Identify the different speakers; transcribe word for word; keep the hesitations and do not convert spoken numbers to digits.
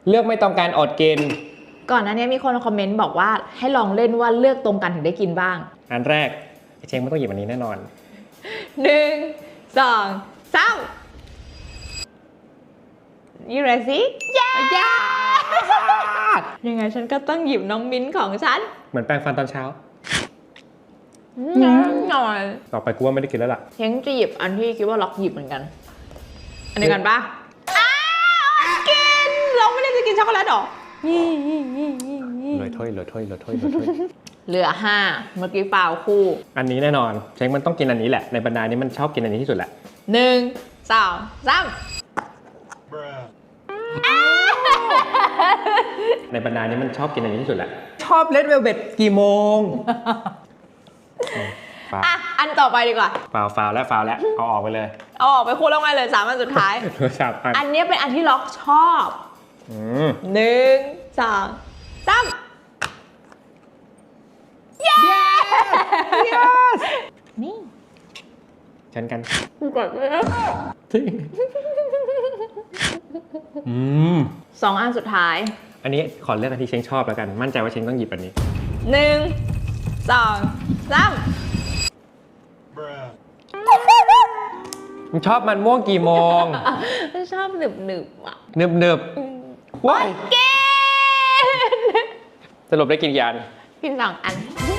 Speaker 1: เลือกไม่ต้องการอดกิน
Speaker 2: ก่อนหน้านี้มีคนคอมเมนต์บอกว่าให้ลองเล่นว่าเลือกตรงกันถึงได้กินบ้าง
Speaker 1: อันแรกเชงไม่ต้องหยิบอันนี้แน่นอน
Speaker 2: หนึ่งสองสามยูเรซิยายายังไงฉันก็ต้องหยิบน้องมิ้นของฉัน
Speaker 1: เหมือนแปรงฟันตอนเช้า
Speaker 2: หน่อย
Speaker 1: ต่อไปกูว่าไม่ได้กินแล้วล่ะ
Speaker 2: เชงจะหยิบอันที่คิดว่าล็อกหยิบเหมือนกันอันนี้กันปะกินเราไม่ได้จะกินช็อกโกแลตหรอ
Speaker 1: เหลือถ้วยเหลือถ้วยเหลือถ้วยเหลือถ้วย
Speaker 2: เหลือห้าเมื่อกี้ฟาวคู่
Speaker 1: อันนี้แน่นอนเชงมันต้องกินอันนี้แหละในบรรดานี้มันชอบกินอันนี้ที่สุดแหละ
Speaker 2: หนึ่งสองสาม
Speaker 1: ในบรรดานี้มันชอบกินอันนี้ที่สุดแหละชอบเลดเวลเวทกี่โมง
Speaker 2: อ่ะอันต่อไปดีกว่า
Speaker 1: ฟาวฟาวแล้วฟาวแล้วเอาออกไปเลย
Speaker 2: เอาออกไปคู่แล้วไงเลยสามอันสุดท้ายอันนี้เป็นอันที่ล็อกชอบหนึ่งสองสามเย้นี่
Speaker 1: ฉันกัน
Speaker 2: กดเลย
Speaker 1: อืม
Speaker 2: สองอันสุดท้าย
Speaker 1: อันนี้ขอเลือกอันที่เชงชอบแล้วกันมั่นใจว่าเชงต้องหยิบอันนี้
Speaker 2: หนึ่งสองสาม
Speaker 1: มึงชอบมันม่วงกี่โมง
Speaker 2: ชอบหนึบหนึบอ่ะ
Speaker 1: หนึบหนึบว้าย
Speaker 2: เก่ง
Speaker 1: สรุปได้กินกี่อัน
Speaker 2: กินสองอัน